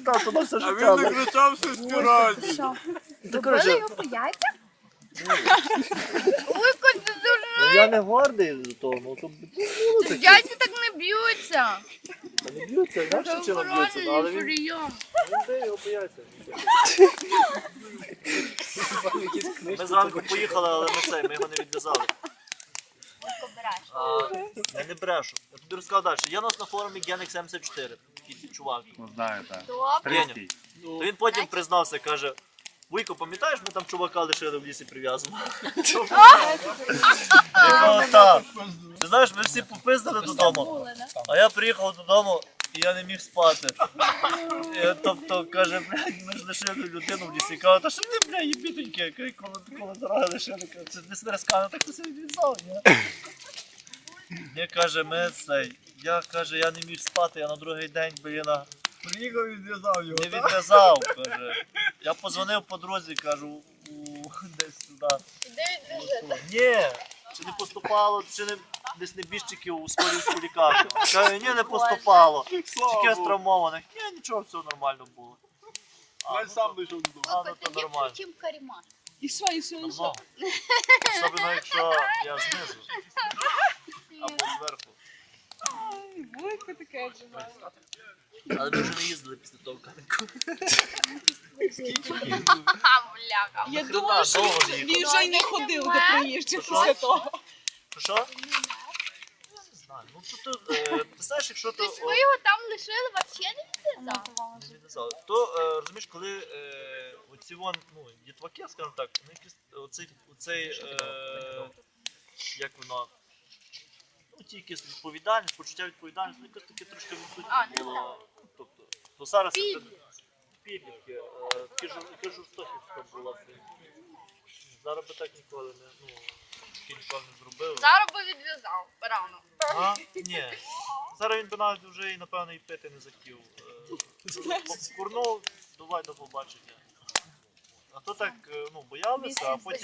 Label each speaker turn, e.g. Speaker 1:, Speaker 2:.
Speaker 1: кричав, то на все
Speaker 2: А
Speaker 1: життя.
Speaker 2: він не кричав щось ні разу.
Speaker 3: Що?
Speaker 1: Ти
Speaker 3: Добили
Speaker 1: коротше,
Speaker 3: його по яйцях? Вуйко, ти дуже...
Speaker 1: я не гордий за того, ну то було таке.
Speaker 3: Яйця так не б'ються.
Speaker 1: Та не б'ються, інакше вчора б'ються, ну, але він
Speaker 3: прийом.
Speaker 1: бив його бояться. Ми зранку поїхали, але ми його не відв'язали. Я не брешу. Я тобі розказав далі. Є у нас на форумі Генек 74, такий чувак.
Speaker 2: Ну знаю, так.
Speaker 3: Добре.
Speaker 1: То він потім признався, каже, Вуйко, пам'ятаєш, ми там чувака лишили в лісі прив'язаного? Так. Ти знаєш, ми всі попиздили додому, а я приїхав додому і я не міг спати. Тобто, каже, блядь, ми ж лишили людину в лісі. Каже, та що ти, блядь, їбітоньки, коли дорога лишили. Це не смерескано, так хтось відв'язав, ні? Ні, каже, я не міг спати, я на другий день, блін,
Speaker 2: Приїхав і зв'язав його.
Speaker 1: не відв'язав, каже. Я позвонив подрузі, кажу, десь туди. Ні, чи не поступало, чи не десь небіжчиків у Сколівську лікарню. Каже, ні, не поступало. Тільки травмованих. Ні, нічого, все нормально було.
Speaker 2: Я сам дійшов додому.
Speaker 1: А, ну то нормально.
Speaker 3: Чим каріма.
Speaker 4: І що?
Speaker 1: Давно. Особливо, якщо я знизу. Або зверху.
Speaker 4: Вуйко таке живе.
Speaker 1: Але ми вже не їздили після того канику.
Speaker 3: Бляха.
Speaker 4: Я
Speaker 1: Нахрена,
Speaker 4: думала, що
Speaker 1: довго
Speaker 4: він
Speaker 1: їхав.
Speaker 4: вже й не ходив до приїжджих
Speaker 1: Що?
Speaker 4: після того.
Speaker 1: Що? Не знаю. Ну тут, ти знаєш, якщо то...
Speaker 3: Тобто ви його там лишили, взагалі не відв'язали?
Speaker 1: Не відв'язали. То, розумієш, коли оці вон, дітваки, скажімо так, ну якийсь оцей, як воно, ну ті якісь відповідальність, почуття відповідальності, ну якось таке трошки відсутнє було. Тобто, то зараз підлітки, таке жорстоківська була. Зараз би так ніколи не, ніколи не зробили.
Speaker 3: Зараз би відв'язав, рано.
Speaker 1: А? Ні. Зараз він би навіть вже, напевно, і пити не захотів. Курнув, давай до побачення. А то так, боялися, а потім